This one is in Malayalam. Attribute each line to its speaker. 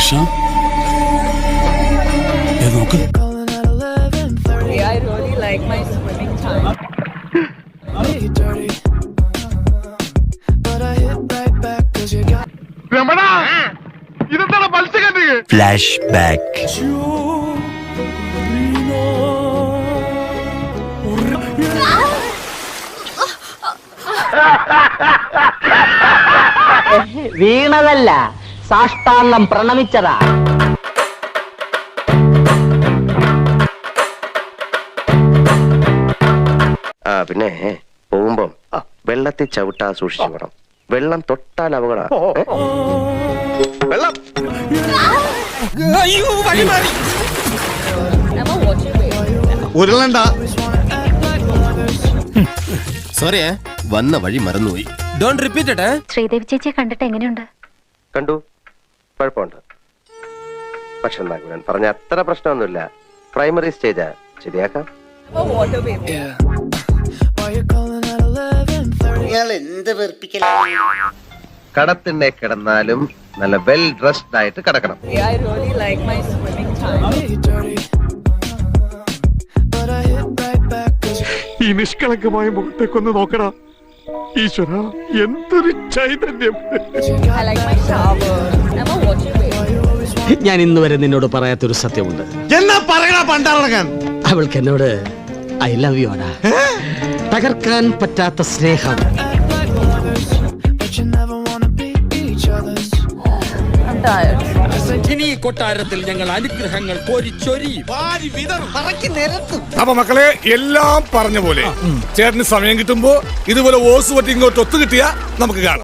Speaker 1: നോക്ക്.
Speaker 2: I really like my swimming time.
Speaker 3: Flashback.
Speaker 4: വീണതല്ല, സാഷ്ടാംഗം പ്രണമിച്ചതാ.
Speaker 5: പിന്നെ പോകുമ്പം വെള്ളത്തിൽ ചവിട്ടാ സൂക്ഷിച്ചു വേണം. വെള്ളം തൊട്ടാൽ അപകടം. വെള്ളം
Speaker 2: Emma, watch your weight.
Speaker 6: ഉരുളണ്ട. സോറി, വന്ന വഴി മറന്നുപോയി. Don't repeat it.
Speaker 7: ശ്രീദേവി ചേച്ചിയെ കണ്ടിട്ട് എങ്ങനെയുണ്ട്?
Speaker 5: കണ്ടു, കുഴപ്പമുണ്ട്. പക്ഷെ നാഗുരൻ പറഞ്ഞ അത്ര പ്രശ്നമൊന്നുമില്ല. പ്രൈമറി സ്റ്റേജാ, ശരിയാക്കാം.
Speaker 2: Emma, water baby.
Speaker 5: കടത്തിണ്ണെ കിടന്നാലും നല്ല വെൽ ഡ്രസ്ഡ് ആയിട്ട് കിടക്കണം.
Speaker 2: I really like my swimming time.
Speaker 8: ഈ നിഷ്കളങ്കമായ മുഖത്തേക്കൊന്ന് നോക്കടാ. ഈശ്വര, എന്തൊരു ചൈതന്യം.
Speaker 2: I like my shower. Emma, watch your weight.
Speaker 3: ഞാൻ ഇന്ന് വരെ നിന്നോട് പറയാത്തൊരു സത്യമുണ്ട്.
Speaker 6: എന്നാ പറയണ പണ്ടാറടക്കാൻ.
Speaker 3: അവൾക്ക് എന്നോട് ഐ ലവ് യു ആണ്. തകർക്കാൻ പറ്റാത്ത സ്നേഹം.
Speaker 2: I'm tired.
Speaker 1: ഇനി ഈ കൊട്ടാരത്തിൽ ഞങ്ങൾ അനുഗ്രഹങ്ങൾ കോരിച്ചൊരി.
Speaker 8: അപ്പൊ മക്കളെ, എല്ലാം പറഞ്ഞ പോലെ ചേട്ടന് സമയം കിട്ടുമ്പോ ഇതുപോലെ ഓസ് പറ്റി ഇങ്ങോട്ട് ഒത്തു കിട്ടിയാ നമുക്ക് കാണാം.